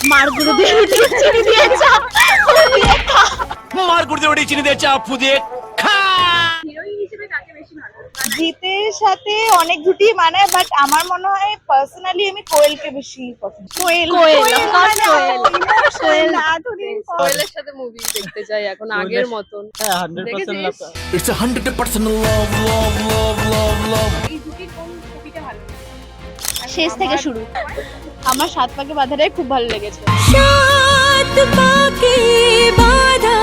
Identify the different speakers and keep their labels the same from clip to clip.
Speaker 1: মার গুরুদেব চিনি দিয়ে চাপ ফুদিয়ে খা।
Speaker 2: মার গুড় দিয়ে চিনি দিয়ে চাপ ফুদিয়ে খা।
Speaker 3: হিরোইন হিসেবে কাকে বেশি ভালো মানে
Speaker 4: জিতের সাথে অনেক জুটি মানায়, বাট আমার মনে হয় পার্সোনালি আমি কোয়েলকে বেশি পছন্দ করি।
Speaker 1: কোয়েল of course কোয়েল
Speaker 4: এতদিন পর
Speaker 5: কোয়েলের সাথে মুভি দেখতে চাই এখন আগের মতন।
Speaker 6: হ্যাঁ 100% লাভ।
Speaker 2: ইটস 100% লাভ লাভ লাভ লাভ লাভ।
Speaker 3: এই জুটির কোন ছবিটা ভালো লাগে?
Speaker 1: শেষ থেকে শুরু।
Speaker 4: আমার সাত পাকে বাঁধাটাই খুব ভালো লেগেছে।
Speaker 1: সাত পাকে বাঁধা।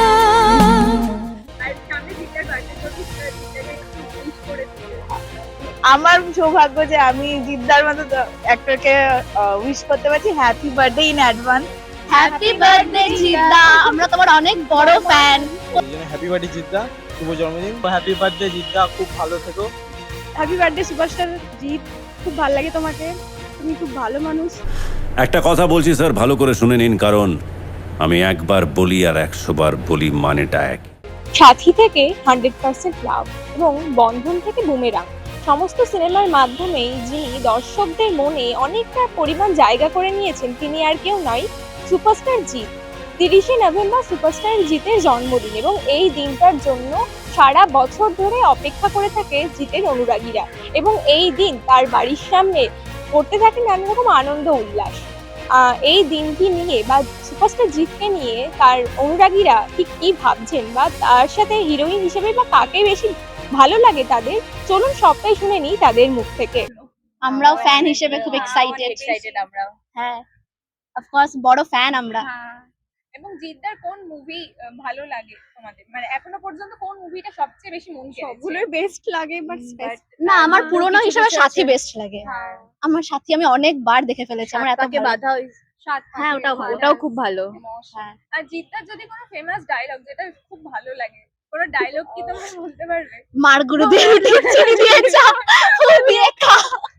Speaker 3: আর সামনে জিতার বার্থডে যদি জিতাকে একটু উইশ করে দিতে।
Speaker 4: আমার সৌভাগ্য যে আমি জিদ্দার মতো অ্যাক্টরকে উইশ করতে পারছি। Happy birthday in advance.
Speaker 1: Happy birthday জিদ্দা, আমরা তোমার অনেক বড় ফ্যান।
Speaker 6: হ্যাপি বার্থডে জিদ্দা, শুভ জন্মদিন। হ্যাপি বার্থডে জিদ্দা, খুব ভালো থেকো।
Speaker 4: হ্যাপি বার্থডে সুপারস্টার জিৎ, খুব ভালো লাগে তোমাকে, তুমি খুব ভালো মানুষ।
Speaker 7: একটা কথা বলছি স্যার, ভালো করে শুনে নিন, কারণ আমি একবার বলি আর 100 বার বলি, মানেটা এক।
Speaker 8: সাথী থেকে 100% লাভ এবং বন্ধন থেকে বুমেরাং সমস্ত সিনেমার মাধ্যমেই যিনি দর্শকদের মনে অনেকটা পরিমাণ জায়গা করে নিয়েছেন তিনি আর কেউ নয়, সুপারস্টার জিৎ। 30শে নভেম্বর সুপারস্টার জিতের জন্মদিন এবং এই দিনটার জন্য সারা বছর ধরে অপেক্ষা করে থাকে জিতের অনুরাগীরা এবং এই দিন তার বাড়ির সামনে করতে থাকে নানা রকম আনন্দ উল্লাস। এই দিনটি নিয়ে বা সুপারস্টার জিতকে নিয়ে তার অনুরাগীরা ঠিক কি ভাবছেন বা তার সাথে হিরোইন হিসেবে বা কাকে বেশি ভালো লাগে তাদের, চলুন সবটাই শুনে নিই তাদের মুখ থেকে।
Speaker 1: আমরাও ফ্যান হিসেবে খুব এক্সাইটেড।
Speaker 3: আমরা।
Speaker 1: হ্যাঁ of course বড় ফ্যান আমরা।
Speaker 3: হ্যাঁ। এবং জিদ্দার কোন মুভি ভালো লাগে তোমাদের? মানে এখনো পর্যন্ত কোন মুভিটা সবচেয়ে বেশি মন কেড়েছে?
Speaker 4: সবগুলোই বেস্ট লাগে, বাট
Speaker 1: না, আমার পুরনো হিসেবে সাথী বেস্ট লাগে।
Speaker 3: হ্যাঁ।
Speaker 1: আমার সাথী আমি অনেকবার দেখে ফেলেছি, আমার এত
Speaker 5: তাকে
Speaker 1: ভালো-
Speaker 5: বাধা
Speaker 3: সাত
Speaker 1: হ্যাঁ,
Speaker 3: পাকে বাঁধা,
Speaker 5: ওটাও খুব ভালো।
Speaker 3: emotion। আর জিদ্দার যদি কোনো ফেমাস ডায়লগ যেটা খুব ভালো লাগে, কোনো ডায়লগ কি তোমরা বলতে পারবে?
Speaker 1: মার গুরুদেব চিনি দিয়ে চাপ ফুদিয়ে খা।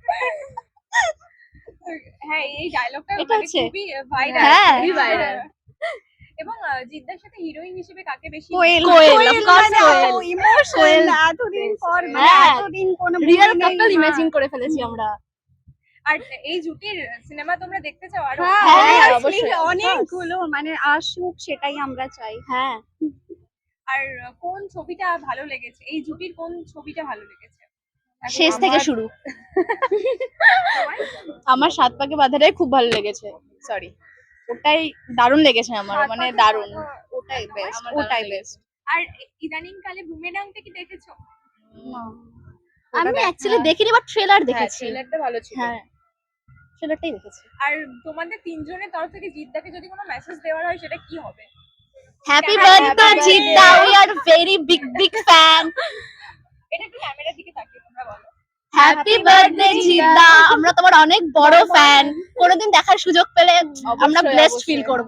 Speaker 3: হ্যাঁ, এই ডায়লগটা
Speaker 1: এটা
Speaker 3: মানে
Speaker 1: হচ্ছে-
Speaker 3: খুবই ভাইরাল।
Speaker 1: হ্যাঁ,
Speaker 5: খুবই viral।
Speaker 3: এবং জিদ্দার সাথে হিরোইন হিসেবে কাকে বেশি?
Speaker 1: কোয়েল of course কোয়েল। কোয়েল।
Speaker 4: এতদিন পর
Speaker 1: হ্যাঁ।
Speaker 4: এতদিন কোন
Speaker 1: রিয়েল কাপল ইমাজিন করে ফেলেছি আমরা।
Speaker 3: আর এই জুটির সিনেমা তোমরা দেখতে চাও আরো?
Speaker 1: হ্যাঁ,
Speaker 4: অবশ্যই
Speaker 1: অবশ্যই।
Speaker 4: অনেকগুলো মানে আসুক, সেটাই আমরা চাই।
Speaker 1: হ্যাঁ,
Speaker 3: আর কোন ছবিটা ভালো লেগেছে? এই জুটির কোন ছবিটা ভালো লেগেছে?
Speaker 1: শেষ থেকে শুরু।
Speaker 4: আমার সাত পাকে বাঁধাটাই খুব ভালো লেগেছে। সরি, ওটাই দারুণ লেগেছে আমার,
Speaker 3: সাত
Speaker 4: মানে
Speaker 3: পাকে
Speaker 4: দারুণ।
Speaker 3: বাঁধা,
Speaker 4: ওটাই বেস্ট,
Speaker 3: আমার
Speaker 4: ওটাই
Speaker 3: দারুণ
Speaker 4: বেস্ট।
Speaker 3: আর ইদানিং কালে বুমেরাংটা কি দেখেছো?
Speaker 1: আমি অ্যাকচুয়ালি দেখিনি, বাট ট্রেলার দেখেছি।
Speaker 5: ট্রেলারটা ভালো ছিল।
Speaker 1: হ্যাঁ, ট্রেলারটাই দেখেছি।
Speaker 3: আর তোমাদের তিনজনের তরফ থেকে জিদ্দাকে যদি কোনো মেসেজ দেওয়ার হয় সেটা কি হবে?
Speaker 1: Happy
Speaker 3: Happy
Speaker 1: birthday
Speaker 3: birthday.
Speaker 1: জিদ্দা, we are very big fan.
Speaker 3: এটা একটু ক্যামেরার দিকে তাকিয়ে তোমরা বলো।
Speaker 1: হ্যাপি বার্থডে জিদ্দা, আমরা তোমার অনেক বড় ফ্যান। কোনোদিন দেখার সুযোগ পেলে আমরা ব্লেসড ফিল করব।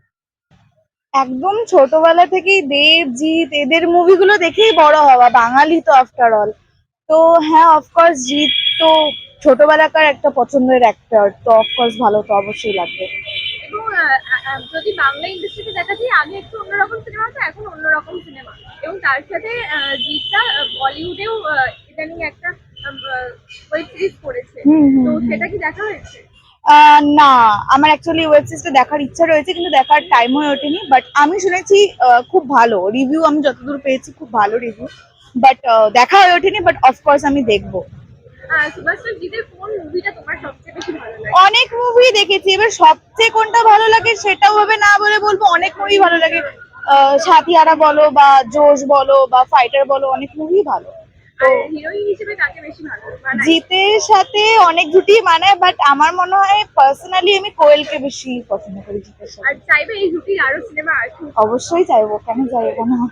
Speaker 4: একদম ছোটবেলা থেকেই দেব, জিৎ এদের মুভিগুলো দেখেই বড় হওয়া, বাঙালি তো আফটার অল। তো হ্যাঁ, অফকোর্স জিৎ তো ছোটবেলাকার একটা পছন্দের অ্যাক্টর, তো অফকোর্স ভালো তো অবশ্যই লাগবে।
Speaker 3: এবং যদি বাংলা ইন্ডাস্ট্রিতে দেখা যায় আগে একটু অন্যরকম সিনেমা তো এখন অন্যরকম সিনেমা, এবং তার সাথে জিৎটা বলিউডেও ইদানিং একটা ওয়েব সিরিজ করেছে, তো সেটা কি দেখা হয়েছে?
Speaker 4: না, আমার অ্যাকচুয়ালি ওয়েব সিরিজটা দেখার ইচ্ছা রয়েছে, কিন্তু দেখার টাইম হয়ে ওঠেনি। বাট আমি শুনেছি খুব ভালো রিভিউ, আমি যতদূর পেয়েছি খুব ভালো রিভিউ, বাট দেখা হয়ে ওঠেনি। বাট অফকোর্স আমি দেখবো।
Speaker 3: সুভাষচন্দ্র জিতের কোন মুভিটা তোমার সবচেয়ে বেশি ভালো লাগে?
Speaker 4: অনেক মুভি দেখেছি, এবার সবচেয়ে কোনটা ভালো লাগে সেটাও হবে না বলে বলবো, অনেক মুভি ভালো লাগে। সাথিয়ারা বলো বা জোশ বলো বা ফাইটার বলো, অনেক মুভি ভালো।
Speaker 3: আর হিরোইন হিসেবে কাকে বেশি ভালো মানায়?
Speaker 4: জিতের সাথে অনেক জুটি মানায়, বাট আমার মনে হয় পার্সোনালি আমি কোয়েলকে বেশি পছন্দ করি জিতের সাথে।
Speaker 3: আর চাইবে এই জুটির আরো সিনেমা আসুক?
Speaker 4: অবশ্যই চাইবো, কেন চাইবো না।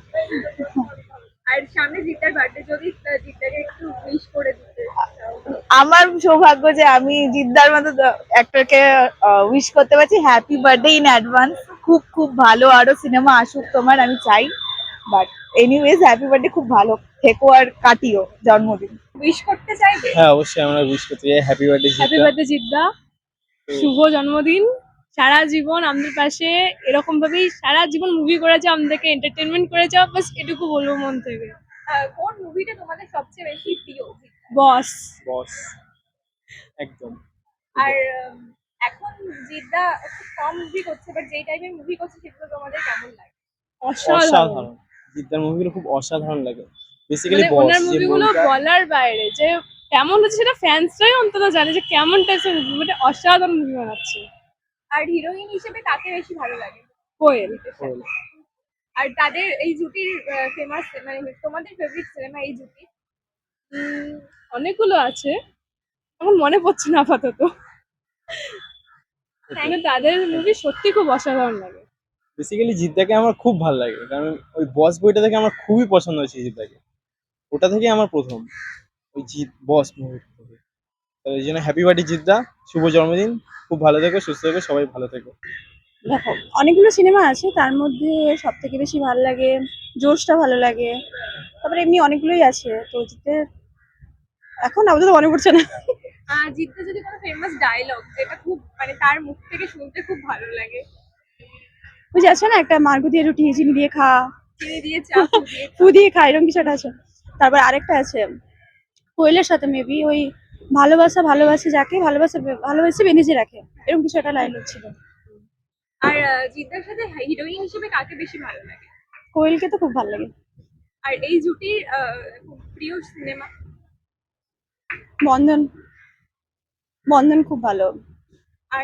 Speaker 3: আর সামনে জিদ্দার বার্থডে যদি জিদ্দাকে একটু উইশ করে দিতে চাও।
Speaker 4: আমার সৌভাগ্য যে আমি জিদ্দার মতো অ্যাক্টরকে উইশ করতে পারছি। Happy birthday in advance. খুব খুব ভালো আরো সিনেমা আসুক তোমার, আমি চাই। বাট এনিওয়েজ, হ্যাপি বার্থডে, খুব ভালো থেকো আর কাটিও জন্মদিন।
Speaker 3: উইশ করতে চাইবে?
Speaker 6: হ্যাঁ অবশ্যই আমরা উইশ করতে চাই হ্যাপি বার্থডে
Speaker 8: হ্যাপি
Speaker 6: জিদ্দা।
Speaker 8: বার্থডে জিদ্দা, শুভ জন্মদিন। সারা জীবন আমাদের পাশে এরকম ভাবেই সারা জীবন মুভি করে যাও, আমাদেরকে এন্টারটেনমেন্ট করে যাও, বাস এটুকু বলবো মন থেকে।
Speaker 3: কোন মুভিটা তোমাদের সবচেয়ে বেশি প্রিয়?
Speaker 8: বস।
Speaker 6: বস, একদম।
Speaker 3: আর এখন জিদ্দা একটু কম মুভি করছে, বাট যেই টাইপের মুভি করছে সেগুলো তোমাদের কেমন লাগে?
Speaker 6: অসাধারণ। জিদ্দার মুভিগুলো খুব অসাধারণ লাগে। বেসিক্যালি
Speaker 5: মানে
Speaker 6: বস
Speaker 5: ওনার
Speaker 6: যে
Speaker 5: মুভিগুলো
Speaker 6: movie টা-
Speaker 5: বলার বাইরে যে কেমন হচ্ছে সেটা ফ্যান্সরাই অন্তত জানে যে কেমন টাইপের মুভি, মানে অসাধারণ মুভি বানাচ্ছে।
Speaker 3: আর হিরোইন হিসেবে কাকে বেশি ভালো লাগে?
Speaker 5: কোয়েল।
Speaker 6: কোয়েল।
Speaker 3: আর তাদের এই জুটির ফেমাস মানে তোমাদের ফেভারিট সিনেমা এই জুটি?
Speaker 5: উম, অনেকগুলো আছে, এখন মনে পড়ছে না আপাতত। মানে তাদের মুভি সত্যি খুব অসাধারণ লাগে।
Speaker 6: বেসিক্যালি জিদ্দাকে আমার খুব ভালো লাগে, কারণ ওই বস বইটা থেকে আমার খুবই পছন্দ হয়েছে জিদ্দাকে। ওটা থেকে আমার প্রথম ওই জিৎ বস মুভি থেকে। তো এই জন্য হ্যাপি বার্থডে জিদ্দা, শুভ জন্মদিন। খুব ভালো থেকো, সুস্থ থেকো, সবাই ভালো থেকো।
Speaker 4: দেখো অনেকগুলো সিনেমা আছে, তার মধ্যে সব থেকে বেশি ভালো লাগে জোশটা ভালো লাগে, তারপরে এমনি অনেকগুলোই আছে, তো জিতের এখন আপাতত মনে পড়ছে না।
Speaker 3: জিদ্দা যদি কোনো ফেমাস ডায়লগ যেটা খুব মানে তার মুখ থেকে শুনতে খুব ভালো লাগে?
Speaker 4: ওই যে আছে না একটা মার্গো দিয়ে রুটি চিনি দিয়ে খা,
Speaker 3: চিনি দিয়ে চা ফু দিয়ে
Speaker 4: ফু দিয়ে খা, এরকম কিছু একটা আছে। তারপর আরেকটা আছে কোয়েলের সাথে মেবি ওই ভালোবাসা ভালোবাসে যাকে ভালোবাসে বেঁধে রাখে, এরকম কিছু একটা ডায়লগ ছিল।
Speaker 3: আর জিদ্দার সাথে হিরোইন হিসেবে কাকে বেশি ভালো লাগে?
Speaker 4: কোয়েলকে তো খুব ভালো লাগে।
Speaker 3: আর এই জুটির খুব প্রিয় সিনেমা?
Speaker 4: বন্ধন, বন্ধন খুব ভালো।
Speaker 3: আর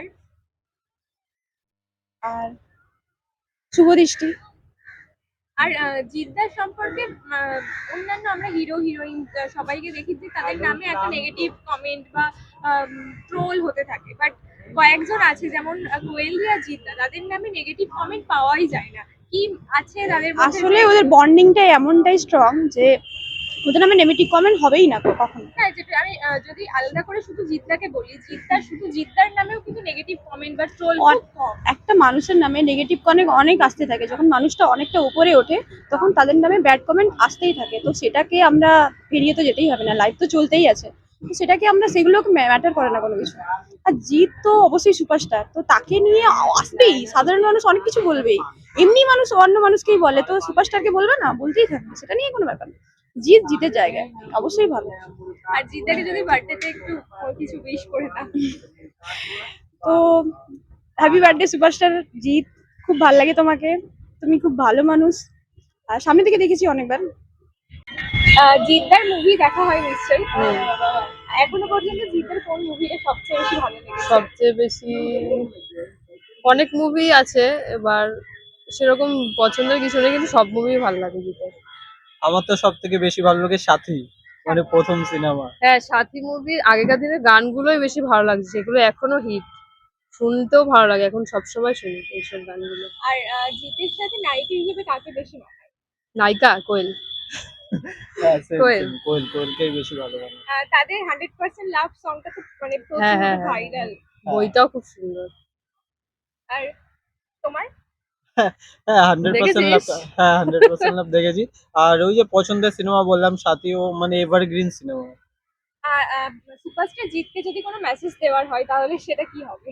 Speaker 4: আর শুভ দৃষ্টি।
Speaker 3: আর জিদ্দার সম্পর্কে অন্যান্য আমরা হিরো হিরোইন সবাইকে দেখি যে তাদের নামে একটা নেগেটিভ কমেন্ট বা ট্রোল হতে থাকে, বাট কয়েকজন আছে যেমন কোয়েল আর জিদ্দা, তাদের নামে নেগেটিভ কমেন্ট পাওয়াই যায় না। কি আছে তাদের মধ্যে
Speaker 4: আসলে
Speaker 3: যে-
Speaker 4: ওদের বন্ডিংটাই এমনটাই স্ট্রং যে ওদের নামে নেগেটিভ কমেন্ট হবেই না কখনো।
Speaker 3: হ্যাঁ, যেটা আমি যদি আলাদা করে শুধু জিদ্দাকে বলি, শুধু জিদ্দার নামেও কিন্তু নেগেটিভ কমেন্ট বা ট্রোল খুব কম।
Speaker 4: একটা মানুষের নামে নেগেটিভ কমেন্ট অনেক আসতে থাকে, যখন মানুষটা অনেকটা উপরে ওঠে তখন তাদের নামে ব্যাড কমেন্ট আসতেই থাকে, তো সেটাকে আমরা ফিরিয়ে তো যেতেই হবে না, লাইফ তো চলতেই আছে, তো সেটাকে আমরা সেগুলোকে ম্যাটার করে না কোনো কিছু। আর জিৎ তো অবশ্যই সুপারস্টার, তো তাকে নিয়ে আসবেই, সাধারণ মানুষ অনেক কিছু বলবেই, এমনি মানুষ অন্য মানুষকেই বলে, তো সুপারস্টারকে বলবে না, বলতেই থাকবে, সেটা নিয়ে কোনো ব্যাপার না। জিৎ জিতের জায়গায় অবশ্যই ভালো।
Speaker 3: আর জিদ্দাকে যদি বার্থডেতে একটু কিছু উইশ করে দাও?
Speaker 4: তো হ্যাপি বার্থডে সুপারস্টার জিৎ, খুব ভালো লাগে তোমাকে, তুমি খুব ভালো মানুষ, আর সামনে থেকে দেখেছি অনেকবার।
Speaker 3: জিদ্দার মুভি দেখা হয় নিশ্চয়ই। এখনো পর্যন্ত জিদ্দার কোন মুভিটা সবচেয়ে বেশি ভালো লেগেছে?
Speaker 5: সবচেয়ে বেশি অনেক মুভি আছে, এবার সেরকম পছন্দের কিছু নেই, কিন্তু সব মুভি ভালো লাগে জিতের।
Speaker 6: আমার তো সব থেকে বেশি ভালো লাগে সাথী, মানে প্রথম সিনেমা।
Speaker 5: হ্যাঁ, সাথী মুভির আগেকার দিনের গানগুলোই বেশি ভালো লাগছে, সেগুলো এখনো হিট, শুনতেও ভালো লাগে, এখন সবসময় শুনি এইসব গানগুলো।
Speaker 3: আর জিতের সাথে নায়িকা হিসেবে কাকে বেশি মানায়?
Speaker 5: নায়িকা কোয়েল। কোয়েল।
Speaker 6: কোয়েলকেই বেশি ভালো লাগে।
Speaker 3: তাদের 100% লাভ সংটা তো মানে
Speaker 5: হ্যাঁ,
Speaker 3: প্রচুর
Speaker 5: হ্যাঁ, হ্যাঁ।
Speaker 3: ভাইরাল।
Speaker 5: বইটাও খুব সুন্দর।
Speaker 3: আর তোমার?
Speaker 6: হ্যাঁ, 100% লাভ।
Speaker 5: দেখেছিস?
Speaker 6: হ্যাঁ, 100% লাভ দেখেছি। আর ওই যে পছন্দের সিনেমা বললাম সাথীও, মানে এভারগ্রিন সিনেমা।
Speaker 3: সুপারস্টার জিতকে যদি কোনো মেসেজ দেওয়ার হয় তাহলে সেটা কি হবে?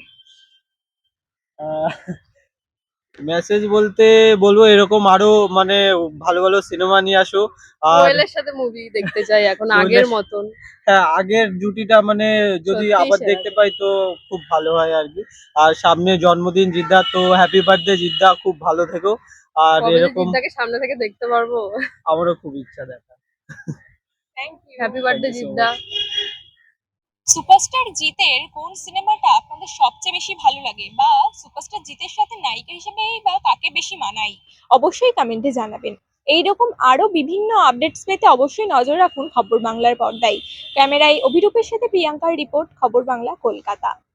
Speaker 6: মেসেজ বলতে বলবো এরকম আরো মানে ভালো ভালো সিনেমা নিয়ে আসো। আর
Speaker 5: কোয়েলের সাথে মুভি দেখতে চাই এখন
Speaker 6: কোয়েলের-
Speaker 5: আগের মতন।
Speaker 6: হ্যাঁ, আগের জুটিটা মানে যদি
Speaker 5: সত্যিই
Speaker 6: আবার
Speaker 5: সেরা।
Speaker 6: দেখতে পাই তো খুব ভালো হয় আর কি। আর সামনে জন্মদিন জিদ্দা, তো হ্যাপি বার্থডে জিদ্দা, খুব ভালো থেকো। আর
Speaker 5: কবে যে
Speaker 6: এরকম
Speaker 5: জিদ্দাকে সামনে থেকে দেখতে পারবো।
Speaker 6: আমারও খুব ইচ্ছা দেখা।
Speaker 3: Thank you.
Speaker 5: Happy birthday
Speaker 6: you so
Speaker 5: জিদ্দা।
Speaker 8: সুপারস্টার জিতের কোন সিনেমাটা আপনাদের সবচেয়ে বেশি ভালো লাগে, বা সুপারস্টার জিতের সাথে নায়িকা হিসেবে বা কাকে বেশি মানায়, অবশ্যই কমেন্টে জানাবেন। এইরকম আরো বিভিন্ন আপডেটস পেতে অবশ্যই নজর রাখুন খবর বাংলার পর্দায়। ক্যামেরায় অভিরূপের সাথে প্রিয়াঙ্কার রিপোর্ট, খবর বাংলা, কলকাতা।